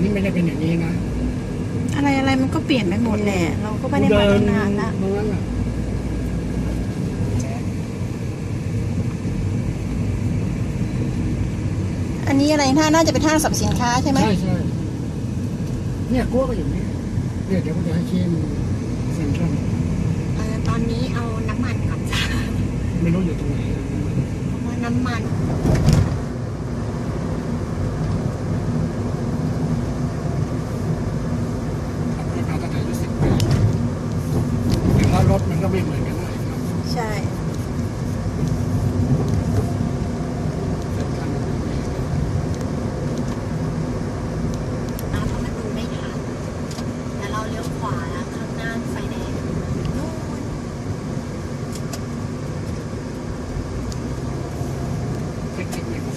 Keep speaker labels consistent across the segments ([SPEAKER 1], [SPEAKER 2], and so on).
[SPEAKER 1] นี้ไม่ได้เป็นอย่างนี้นะ
[SPEAKER 2] อะไรมันก็เปลี่ยนไปหมดแหละเราก็ไม่ได้มาตั้งนานละ
[SPEAKER 1] ตรงนั้นน่ะ
[SPEAKER 2] อันนี้อะไรน่าจะเป็นห้างสรรพสินค้าใช่ไหม
[SPEAKER 1] ใช่เนี่ยกลัวก็อยู่นี่เนี่ยเดี๋ยวผมจะให้ชิมเซ็นทรัล
[SPEAKER 3] ตอนนี้เอาน้ำมันก่อนจ้า
[SPEAKER 1] ไม่รู้อยู่ตรงไหน
[SPEAKER 3] เพราะว่าน้ำมัน
[SPEAKER 1] ขับรถมาตั้งแต่อายุ10 ปีแต่ว่ารถมันก็ไม่เหมือนกันนะครับ
[SPEAKER 2] ใช่
[SPEAKER 3] เพราะมันดูไม่ทันแต่เราเลี้ยวขวาแล้วข้างหน้าไฟแดงนู่น
[SPEAKER 1] เทคนิคในภาษี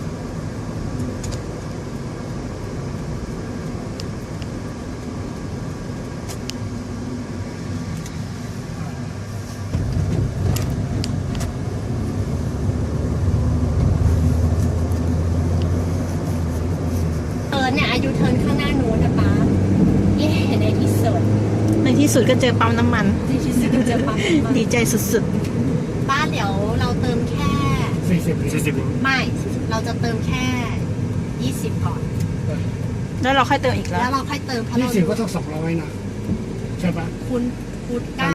[SPEAKER 3] เนี่ยอายุเทิร์นข้างหน้านู้นนะป๊าเย่ในที่สุด
[SPEAKER 2] ในที่สุดก็เจอปั๊มน้ำมัน
[SPEAKER 3] ที่สุดเจอปั๊มน้ำมัน
[SPEAKER 2] ดีใจสุด
[SPEAKER 3] ป้าเดี๋ยวเราเติมแค่
[SPEAKER 1] 40
[SPEAKER 3] ไม่ เราจะเติมแค่ 20 ก่อน
[SPEAKER 2] ๆ แล้วเราค่อยเติมอีกแล้
[SPEAKER 3] แล้ว วเราค่อยเติมเพราะเรา
[SPEAKER 1] 20ก็ต้อง200นะใช่ปะ
[SPEAKER 3] คุณพูด